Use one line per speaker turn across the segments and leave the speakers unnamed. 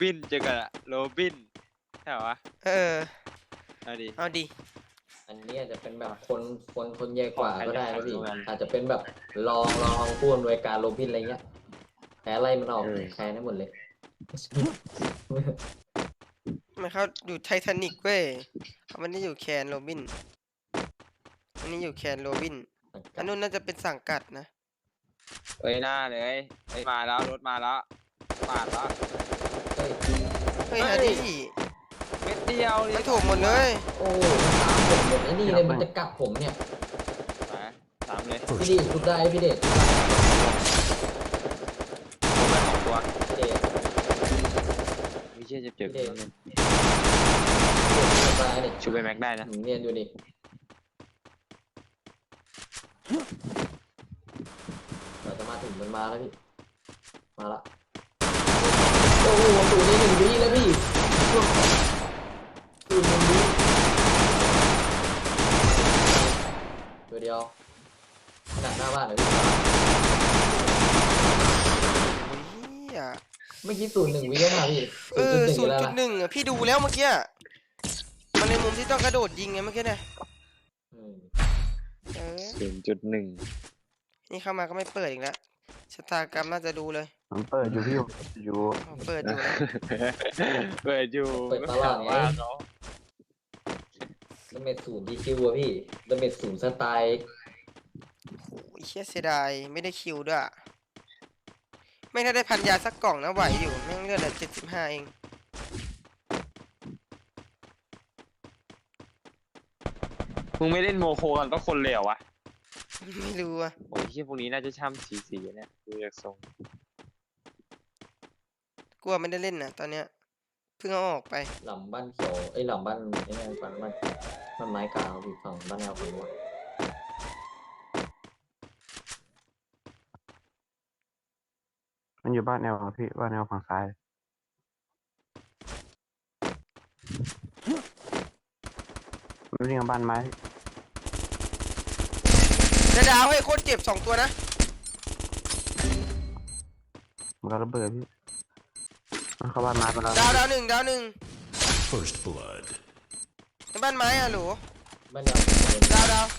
บินเจอกันอะโรบินใช่เหรอวะเอาดิ
เอาดิ
อันนี้อาจจะเป็นแบบคนใหญ่กว่า
ของใคร
ก็ได้
จะ
นะพี่
แข่งกัน
อาจจะเป็นแบบลองพูดโดยการโรบินอะไรเงี้ยแพ้ไล่มันออกแพ้ได้หมดเลย
มันเขาอยู่ไททานิกเว้ยเขาไม่ได้อยู่แคนโรบินอันนี้อยู่แคนโรบินอันนู้นน่าจะเป็นสังกัดนะ
เอ้ยหน้าเลยเอ้ยมาแล้วรถมาแล้วปาดแล้ว
เฮ้ย
เฮ้ยฮาดิ
เม็ดเดียว
มันถูกหมดเลย
โอ้ตามผมหมดไอ้นี่เลยมันจะกลับผมเนี่ย
ไปสามเลย
พี่ดีชุดได้พี่เดช
ผมไปของตัว
พี่เดช
ไม่เชื่อเจ็บๆ
พี่เดช
นั่นเลย
ชุดได้เนี่ย
ชูไปแม็กได้นะ
เนียนอยู่ดิเราจะมาถึงมันมาแล้วพี่มาละโอ้โหสูตรนี้1 วิแล้วพี่สูตร1 วิตัวเดียวขนาดหน้าบ้านเลยพี่
เฮีย
เมื่อกี้สูตร1 วิแล้วนะพี่
0.1 อ่ะพี่ดูแล้วเมื่อกี้มันในมุมที่ต้องกระโดดยิงไงเมื่อกี้เนี่ย
0.1
นี่เข้ามาก็ไม่เปิดอีกแล้วชะตากรรมน่าจะดูเลย
ผมเปิดอยู่พี่อยู่
เปิดดูนะ
เปิดอยู่
เปิดตลาดไง
ว่าเขา
ดาเมจ0 DQ อะพี่ดาเมจ0 สไตล์
โอ้ยเชี่ยเสียดายไม่ได้คิวด้วยอะไม่ถ้าได้พันยาสักกล่องนะไหวอยู่แม่งเลือดเหลือ75เอง
มึงไม่เล่นโมโคกันก็คนเลววะ
ไม่รู้อะ
โอ้ยที่พวกนี้น่าจะช่ำสีเนี่ยดูจากทรง
กลัวไม่ได้เล่นนะตอนเนี้ยเพิ่งเอาออกไป
หลังบ้านเขียวหลังบ้านไอ้นี่ฝั่งบ้านไม้กลางพี่ฝั่งบ้านแนวฝั่งนู้น
มันอยู่บ้านแนวพี่บ้านแนวฝั่งซ้ายมันวิ่งมาบ้านไม้
ดาวให้โคตรเจ็บ2 ตัวนะ
มันก็ระเบิดพี่มันเข้าบ้านไม้ไปแล้ว
ดาวหนึ่งดาวหนึ่ง
First blood.
ในบ้านไม้อะหรู
บ้านแนว
ดาว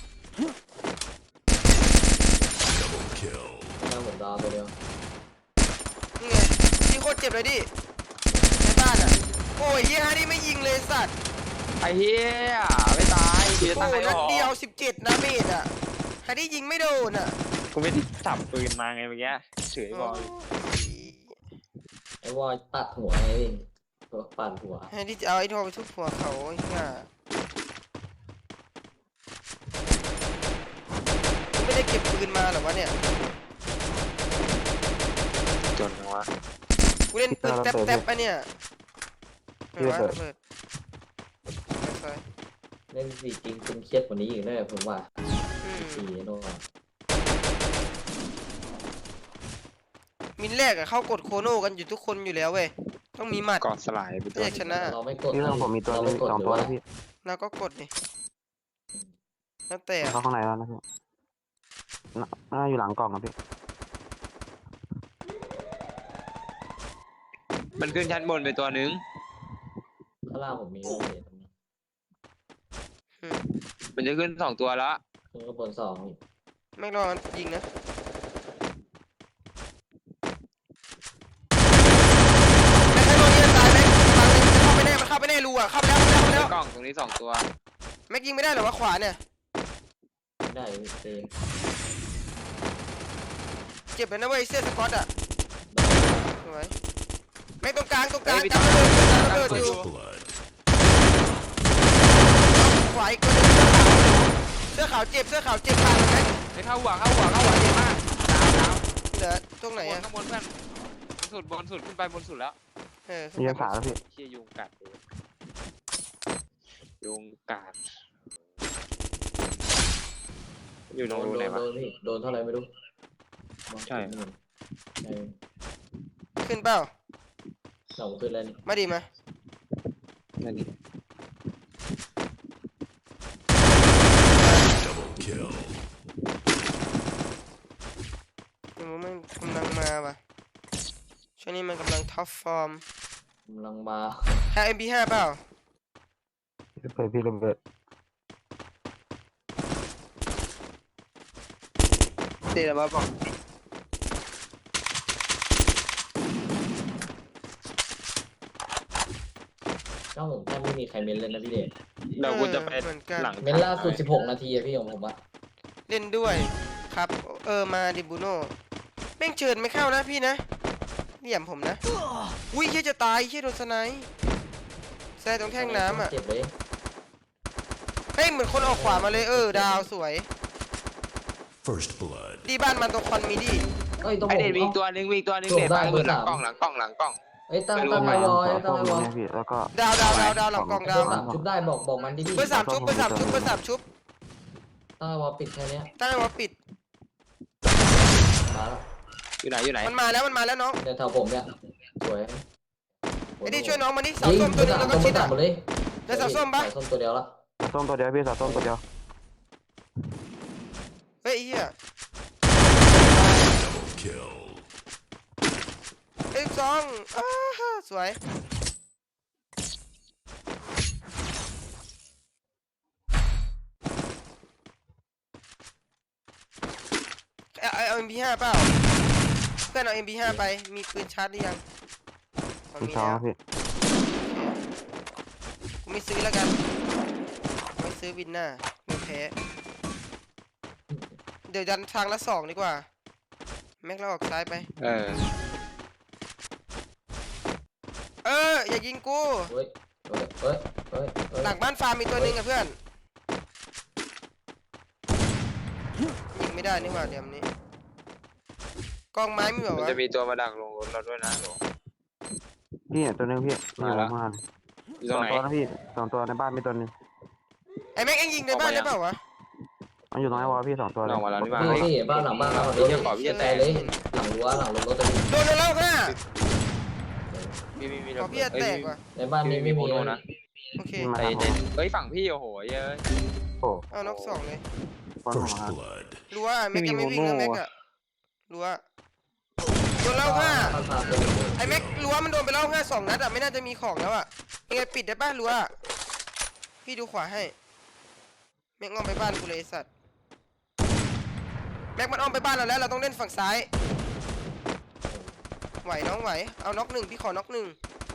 Double kill.
บ้านแนวผมดาวตัวเดียว
นี่ไงพี่โคตรเจ็บเลยดิในบ้านอะโอ้ยเฮียฮานี่ไม่ยิงเลยสัตว์
ไอ้เหี้ยไม่ตายกูจะ
โอ้
ตาย
นัด
หรอ
เดียว17นะเมตรอะฮานี่ยิงไม่โดนอะ
กูไม่ได้จับปืนมาไงเมื่อกี้เฉยบอล
ไอ้วอลตัดหัวไอ้ตัวปั่นหัว
ฮานี่จะเอาไอ้ทอไปทุบหัวเขาไอ้เหี้ยไม่ได้เก็บปืนมาหรอวะเนี่ย
จนนะวะ
กูเล่นปืนแต๊บๆปะเนี่ยไม่ว่าระเบิดไป
เล่นสีจริงคุณเครียดกว่านี้อีกแน่ผมว่า
อืม
สีโน่น
มินแรกอะเข้ากดโคโน่กันอยู่ทุกคนอยู่แล้วเว้ยต้องมีหมัด
กอดสลายไปตั
ถ้าว อยากชนะ
เราไม่กด
นี่เรื่องผมมีตัวนึง2 ตัวแล้วพี่
เราก็กดดิแล้วแต่
เข้าข้างในแล้วนะพี่น่าอยู่หลังกล่องนะพี่
มันขึ้นชั้นบนไปตัวนึง
ข้างล่างผมมีโอเคตรงนี้
มันจะขึ้น2 ตัวแล้ว
ขึ้นข้างบน2อีก
ไม่รอยิงนะเข้าไปแน่มันเข้าไปแน่รูอะเข้าไปแล้ว
กล่องตรงนี้2 ตัว
แม็กยิงไม่ได้หรอวะขวาเนี่ย
ได้เอง
เจ็บเลยนะเว้ยเสื้อสกอตอะสวยแม็กตรงกลางจับระเบิดอยู่
First blood.
ขวาอีกตัวนึงเสื้อขาวเจ็บขาดแม็ก
ไปเข้าหัวเจ็บมากดาว
เหลือตรงไหนอะ
ข้างบนเพื่อนบนสุดขึ้นไปบนสุดแล้ว
มียังขาแล้วพี่
เชี่ยยุงกัดเลยยุงกัดอยู่ตรงรูไหนวะ
โดนพี่โดนเท่าไหร่ไม่รู้
ใช่
ขึ้นเปล่า
เราขึ้นแล้วนี่
มาดิมา
นั่นนี่
Double kill.
มันกำลังมาว่ะช่วงนี้มันกำลังท็อปฟอร์ม
กำลังมา
ใคร MP5 เปล่า
ระเบิดพี่ระเบิด
เตะมาบอก
เจ้าผมแทบไม่มีใครเม้นเลยนะพี่เดช
เดี๋ยวกูจะไป
เหมือนกัน
หลัง
เม้นล่าสุด16 นาทีอะพี่ของผมอะ
เล่นด้วยครับมาดิบูโน่แม่งเชิญไม่เข้านะพี่นะเหลี่ยมผมนะอุ้ยเฮียจะตายเฮียโดนสไนป์แซ่ตรงแท่งน้ำอ่ะ
เจ็บเลย
เฮ้ยเหมือนคนออกขวามาเลยดาวสวย
First blood.
ดีบ้านมันตรงคอนมีดี
เอ้ยต้อง
ไอ
ผม
เด็ดวิ่ง
เอ้า
ตัวหนึงวิ่งตัวหนึง
โดด
เด็ด
ได้
มา
เบอร์
หลัง
สาม
กล้องหลังกล้องหลังกล้อง
เอ้ยตั้ง
ไม่รู้
ตั้ง
ไหม
ไว้วอย
ต้
ตั้ง
ม
ไว้วอย
นะพี่แล้วก็
ดาวหลังกองดาว
เบอร์สามชุบได้บอกมันดิพี่
เบอร์สามชุบเบอร์สามชุบเบอร์สามชุบ
ตั้งไว้วอปิดแค่เนี้ย
ตั้งไว้ว่าปิด
มาแล้ว
อยู่ไหนอยู่ไหน
มันมาแล้วน้อง
เดี๋ยวแถวผมเนี่ยสวย
ไอ้ดิช่วยน้องมานี่สาว
ยิง
ส้มตัวหนึงแล้วก็ชิด
ตั
อ่ะ
ดหมดเลย
แล้วสาวส้มปะ
สาวส้มตัวเดียวละ
ต้มตัวเดียวพี่สาวต้มตัวเดียว
เฮ้ยไอ้เฮีย
Kill.
เอ้ยซองสวยเอา MP5 เปล่าเพื่อนเอา MP5 ไปมีปืนชาร์จหรือยังอ๋อ
พี่
มี
สอง
แล้ว
พี่
กูไม่ซื้อแล้วกันไม่ซื้อวินหน้าไม่แพ้เดี๋ยวดันทางละ2ดีกว่าแม็กเราออกซ้ายไปอย่ายิงกู
เฮ้ยเฮ้ยเฮ้ยเฮ้ยเฮ้ย
หลังบ้านฟาร์มมีตัวหนึงอะเพื่อนยิงไม่ได้นี่หว่าเดี๋ยวนี้กองไม้มีแบบ
มัน
ว่า
จะมีตัวมาดักลงรถเราด้วยนะหนู
พี่เนี่ยตัวนึงพี่
มาแล้ว
มา
อยู่
ส
ตร
อง ง
ไหน
ตัวนะพี่สองตัวในบ้านมีตัวนึง
ไอ้แม็กเอ็งยิงในบ้านได้เปล่าวะ
มันอยู่ตรงไอ้วอลพี่สองตัวเล
ล
ย
องมาแล้วนี่มา
พี่
เฮ้ย
พี่บ้านหลังบ้านเรา
พี่จะขอพี่จะแตะ
เลยหลังรั้วหลังรถตัวนี้
โดนแล้วค่ะ
มี
ขอพี่จะแตกว่ะ
ในบ้านนี้ไม่มี
โนนะ
โอเค
มา
ใจ
ทางผ
เย็
ม
นเฮ้ยฝั่งพี่โอ้โหเยอะ
โอ้
เอานกสองเลย
คนหัว
First blood.
รั้วแม็กยังไม่วิ่งนะแม็กอะรั้วโดนแล้วค่ะ
บ้านพาตัวนี้
ไอ้แม็กรั้วมันโดนไปแล้ว2 นัดอะไม่น่าจะมีของแล้วอะยังไงปิดได้ป่ะรั้วพี่ดูขวาให้แม็กอ้อมไปบ้านกูเลยไอ้สัตว์แม็กมันอ้อมไปบ้านเราแล้วเราต้องเล่นฝั่งซ้ายไหวน้องไหวเอาน็อก1พี่ขอน็อก1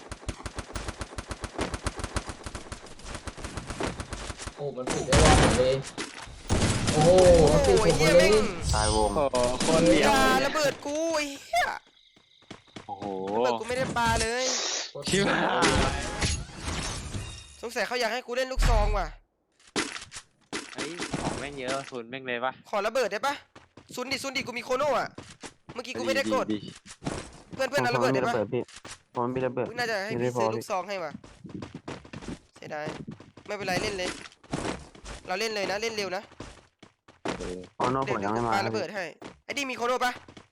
โอ้มันปิดได้ว่าผมเลยโอ้โหมันปิด
โอ้
ผ
ย
ม
เฮีย
เล
แม่
ย
ง
ตายวง
โอ้โหคนเดียว
อย่าระเบิดกูไอ้เหี้ย
โอ้โห
ระเบิดกูไม่ได้ปาเลย
ชิบหาย
สงสัยเขาอยากให้กูเล่นลูกซองว่ะ
เฮ้ยของแม่งเยอะศูนย์แม่งเลยปะ
ขอระเบิดได้ปะซุนดิกูมีโคโน่อะเมื่อกี้กูไม่ได้กดเพื่อนเอาระเบิดได้ปะ
พี่ผมมีระเบิด
อุ๊ยน่าจะให้พี่ซื้อลูกซองให้ว่ะเสียดายไม่เป็นไรเล่นเลย เราเล่นเลยนะเล่นเร็วนะ
โอ้โน่ผ
เดี๋ยว
มยังไม่
กู
มา
ปาระเบิดให้ไอ้ดิมีโคโน่ปะ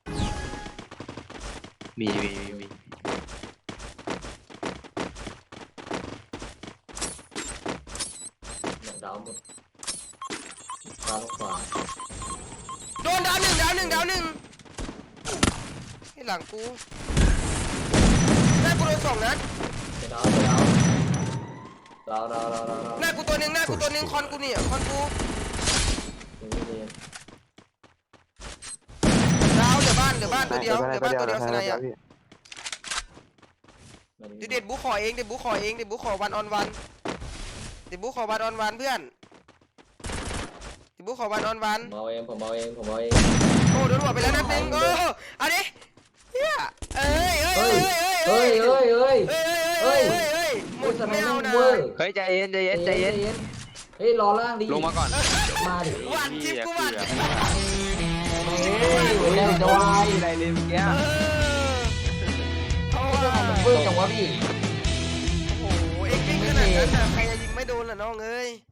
มี
เนี่ยดาวหมดดาวขวา
โดนดาวหนึ่งให้หลังกูหน้ากูโดน2 นัด
ดาว
หน้ากูตัวหนึ่งคอนกูเนี่ยคอนกูดาวเหลือบ้านตัวเดียวสไนอะเดี๋ยวเด็ดบูขอเองเด็ดบูขอวันออนวันเด็ดบูขอวันออนวันเพื่อนเด็ดบูขอวันออนวัน
ผมเอาเอง
โอ้โดนหัวไปแล้วนัดหนึ่งโอ้เอาดิเฮียเอ้ย
เฮ้ย
หม
พูด
ด
ทำไม
ไม่เอา
ไม่
นะ
เวอร์
เฮ้ยใจเย็น
เฮ้ยรอล่างดิ
ลงมาก่อน
หวานจิ๊บกูหวาน
แล้วจะวาย
อะไรเลยเมื่อกี้
เพราะว่า
เวอร์จังวะพี่
โอ้โหเอ็กซ์วิ่งขนาดนั้นน่ะใครจะยิงไม่โดนล่ะน้องเอ้ย